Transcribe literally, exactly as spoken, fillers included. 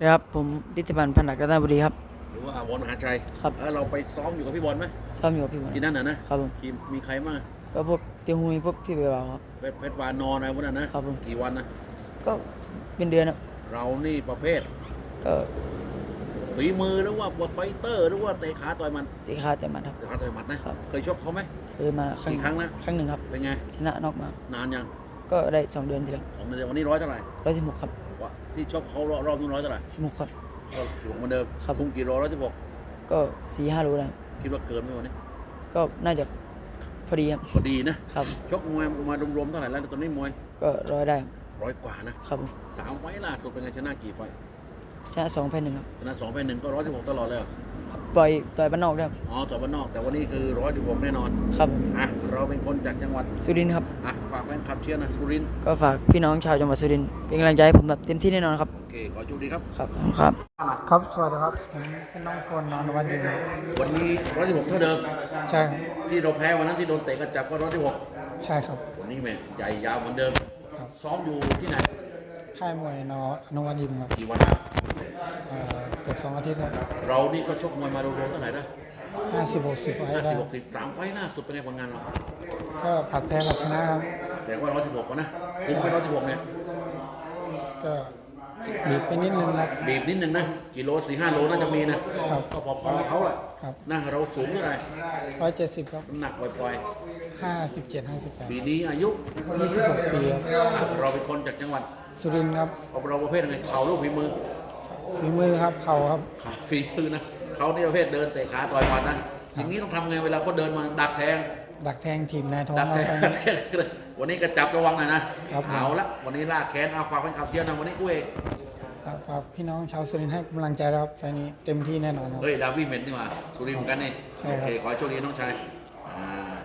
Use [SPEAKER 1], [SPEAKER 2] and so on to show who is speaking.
[SPEAKER 1] ครับผมฤทธิพันธ์พันธักกาญจนบุรีครับ
[SPEAKER 2] หรือว่าบอลมหาชัย
[SPEAKER 1] ครับ
[SPEAKER 2] แล้วเราไปซ้อมอยู่กับพี่บอลไหม
[SPEAKER 1] ซ้อมอยู่กับพี่บอล
[SPEAKER 2] ที่นั่นน่ะนะครับ
[SPEAKER 1] ผม
[SPEAKER 2] ทีมมีใครบ้าง
[SPEAKER 1] ก็พวกเตียวหุยพวกพี่เบลครับ
[SPEAKER 2] เพชรเพชรวานอนอะไรพวกนั้นนะครับ
[SPEAKER 1] ผม
[SPEAKER 2] กี่วันนะ
[SPEAKER 1] ก็เป็นเดือนครับ
[SPEAKER 2] เรานี่ประเภท
[SPEAKER 1] ก็
[SPEAKER 2] ฝีมือหรือว่าไฟเตอร์หรือว่าเตะขาต่อยมัน
[SPEAKER 1] ตีขาแต่หมัดครับ
[SPEAKER 2] เตะขาต่อยหมัดนะครับเคยชกเขาไหม
[SPEAKER 1] เคยมาครั้ง
[SPEAKER 2] กี่ครั้งนะ
[SPEAKER 1] ครั้งหนึ่งครับ
[SPEAKER 2] เป็นไง
[SPEAKER 1] ชนะนอกมาน
[SPEAKER 2] านยัง
[SPEAKER 1] ก็ได้สองเดือนทีแล้ว
[SPEAKER 2] ของเดือนวันนี้ร้อยเท่าไหร่
[SPEAKER 1] ร้อยสิบหกครับ
[SPEAKER 2] วะที่ชกเขารอบรอบนู้นร้อยเท่าไหร่
[SPEAKER 1] สิบหกครับ
[SPEAKER 2] ก็สูงเหมือนเดิม
[SPEAKER 1] ครับ
[SPEAKER 2] คุมกี่โลร้อยสิบหก
[SPEAKER 1] ก็สี่ห้ารู้ได้
[SPEAKER 2] คิดว่าเกินไหมวันนี้
[SPEAKER 1] ก็น่าจะพอดีครับ
[SPEAKER 2] พอดีนะครับชกมวยมารวมๆเท่าไหร่แล้วตอนนี้มวย
[SPEAKER 1] ก็ร้อยได้
[SPEAKER 2] ร้อยกว่านะครับสามไฟล์ล่าสุดเป็นไงชนะกี่ไฟล์
[SPEAKER 1] ชนะสองแพ้หนึ่งครับ
[SPEAKER 2] ชนะสองแพ้หนึ่งก็ร้อยสิบหกตลอดเลยเหรอ
[SPEAKER 1] ปล่อยต่อยบ้านนอกได้ครับ
[SPEAKER 2] อ๋อต่อบ้านนอกแต่วันนี้คือร้อยสิบหกแน่นอน
[SPEAKER 1] ครับ
[SPEAKER 2] อ่ะเราเป็นคนจากจังหวัด
[SPEAKER 1] สุรินทร์ครับ
[SPEAKER 2] อ่ะฝากแฟนคลับเชียร์นะสุรินทร์
[SPEAKER 1] ก็ฝากพี่น้องชาวจังหวัดสุรินทร์เป็นกำลังใจให้ผมแบบเต็มที่แน่นอนครับ
[SPEAKER 2] โอเคขอโชคดีครับ
[SPEAKER 1] ครับครับ
[SPEAKER 3] ครับ สวัสดีครับ ผมเป็นน้องโฟนนอนวันดีครับ
[SPEAKER 2] วันนี้ร้อยสิบหกเท่าเดิม
[SPEAKER 3] ใช่ครับ
[SPEAKER 2] ที่เราแพ้วันนั้นที่โดนเตะกระจับก็ร้อยสิบหก
[SPEAKER 3] ใช่ครับ
[SPEAKER 2] วันนี้แม่ใหญ่ยาวเหมือนเดิม
[SPEAKER 3] ครับ
[SPEAKER 2] ซ้อมอยู่ที่ไหน
[SPEAKER 3] ค่ายมวยนอนวันยิมครับ
[SPEAKER 2] กี่วันแล้ว
[SPEAKER 3] เอ่อเกือบสองอาทิตย์ครับ
[SPEAKER 2] เรานี่ก็ชกมวยมารวมๆเท่าไหร่นะ
[SPEAKER 3] ห้าสิบหกสิบไว้
[SPEAKER 2] ห้า
[SPEAKER 3] ได้
[SPEAKER 2] สิบหกสิบสามไฟล์ล่าสุดเป็นไงผลงานเรา
[SPEAKER 3] ก็ผัดแพ้ผัดชนะครับ
[SPEAKER 2] แต่ว่าร้อยสิบหกนะคุมไปร้อยสิบหกเนี่ย
[SPEAKER 3] ก็บีบไปนิดนึงครับ
[SPEAKER 2] บีบนิดนึงนะกิโลสี่ห้าโลน่าจะมีนะครับ ก็พอๆกับเขาแหละ
[SPEAKER 3] ครับ
[SPEAKER 2] นะเราสูงเท่าไหร่
[SPEAKER 3] ร้อยเจ็ดสิบครับ
[SPEAKER 2] น้ำหนักปล่อย
[SPEAKER 3] ห้าสิบเจ็ดห้าสิบแปด
[SPEAKER 2] ๆปีนี้อายุ
[SPEAKER 3] ยี่สิบหกปีครับ
[SPEAKER 2] อ่ะเราเป็นคนจากจังหวัด
[SPEAKER 3] สุรินทร์ครับ
[SPEAKER 2] เราประเภทไงเข่าลูกฝีมือ
[SPEAKER 3] ฝีมือครับเข่าครับ
[SPEAKER 2] ขาฝีมือนะเขานี่ประเภทเดินเตะขาต่อยหมัดนะอย่างนี้ต้องทำไงเวลาเขาเดินมาดักแทง
[SPEAKER 3] ดักแทงทีมนายท้อง
[SPEAKER 2] ดัก
[SPEAKER 3] เรา
[SPEAKER 2] แทง
[SPEAKER 3] ไป
[SPEAKER 2] ดักแทงวันนี้ก็จับระวังหน่อยนะครับ
[SPEAKER 3] ผม
[SPEAKER 2] เอาละวันนี้ลากแขนเอาความเป็นขับเชียร์นะวันนี้กูเอง
[SPEAKER 3] ครับฝากพี่น้องชาวสุรินทร์ให้กำลังใจนะครับไฟล์นี้เต็มที่แน่นอนครับ
[SPEAKER 2] เฮ้ยดาวิเมนนี่หว่าสุรินทร์เหมือนกันนี่
[SPEAKER 3] ใช่
[SPEAKER 2] โอ
[SPEAKER 3] ครับ
[SPEAKER 2] เคขอให้โชคดีน้องชายอ่า